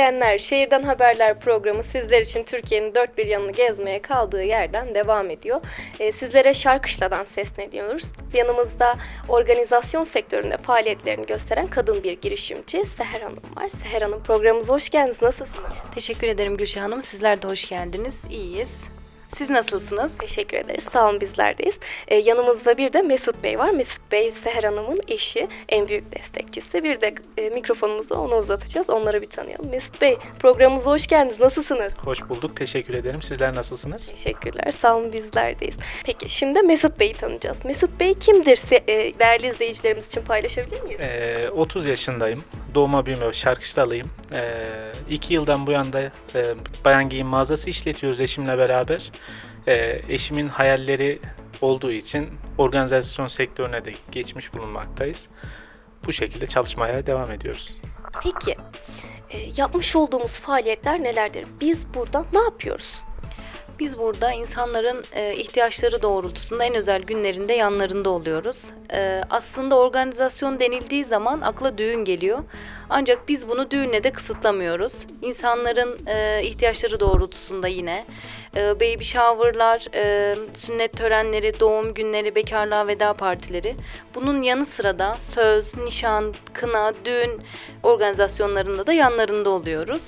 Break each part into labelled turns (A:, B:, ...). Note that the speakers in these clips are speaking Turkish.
A: izleyenler, Şehirden Haberler programı sizler için Türkiye'nin dört bir yanını gezmeye kaldığı yerden devam ediyor. Sizlere Şarkışla'dan sesleniyoruz. Yanımızda organizasyon sektöründe faaliyetlerini gösteren kadın bir girişimci Seher Hanım var. Seher Hanım, programımıza hoş geldiniz. Nasılsınız?
B: Teşekkür ederim Gülşah Hanım. Sizler de hoş geldiniz. İyiyiz. Siz nasılsınız?
A: Teşekkür ederiz. Sağ olun, bizlerdeyiz. Yanımızda bir de Mesut Bey var. Mesut Bey, Seher Hanım'ın eşi, en büyük destekçisi. Bir de mikrofonumuzu ona uzatacağız. Onları bir tanıyalım. Mesut Bey, programımıza hoş geldiniz. Nasılsınız?
C: Hoş bulduk. Teşekkür ederim. Sizler nasılsınız?
A: Teşekkürler. Sağ olun, bizlerdeyiz. Peki şimdi Mesut Bey'i tanıyacağız. Mesut Bey kimdir? Değerli izleyicilerimiz için paylaşabilir miyiz?
C: 30 yaşındayım. Doğma büyüme Şarkışlalıyım. 2 yıldan bu yana bayan giyim mağazası işletiyoruz eşimle beraber. Eşimin hayalleri olduğu için organizasyon sektörüne de geçmiş bulunmaktayız. Bu şekilde çalışmaya devam ediyoruz.
A: Peki, yapmış olduğumuz faaliyetler nelerdir? Biz burada ne yapıyoruz?
B: Biz burada insanların ihtiyaçları doğrultusunda en özel günlerinde yanlarında oluyoruz. Aslında organizasyon denildiği zaman akla düğün geliyor. Ancak biz bunu düğünle de kısıtlamıyoruz. İnsanların ihtiyaçları doğrultusunda yine baby shower'lar, sünnet törenleri, doğum günleri, bekarlığa veda partileri. Bunun yanı sıra da söz, nişan, kına, düğün organizasyonlarında da yanlarında oluyoruz.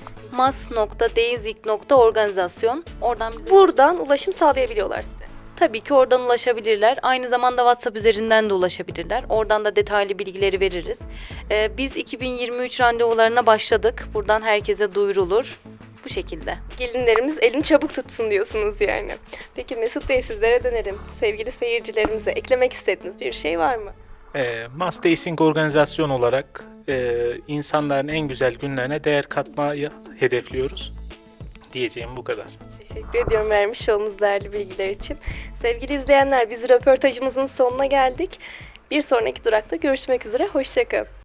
B: mas.deizik.organizasyon. Oradan bize
A: Buradan ulaşım sağlayabiliyorlar size.
B: tabii ki oradan ulaşabilirler. Aynı zamanda WhatsApp üzerinden de ulaşabilirler. Oradan da detaylı bilgileri veririz. Biz 2023 randevularına başladık. Buradan herkese duyurulur. Bu şekilde.
A: Gelinlerimiz elini çabuk tutsun diyorsunuz yani. Peki Mesut Bey, sizlere dönerim. Sevgili seyircilerimize eklemek istediğiniz bir şey var mı?
C: Mass Dancing organizasyon olarak insanların en güzel günlerine değer katmayı hedefliyoruz. Diyeceğim bu kadar.
A: Teşekkür ediyorum vermiş olduğunuz değerli bilgiler için. Sevgili izleyenler, biz röportajımızın sonuna geldik. Bir sonraki durakta görüşmek üzere. Hoşça kalın.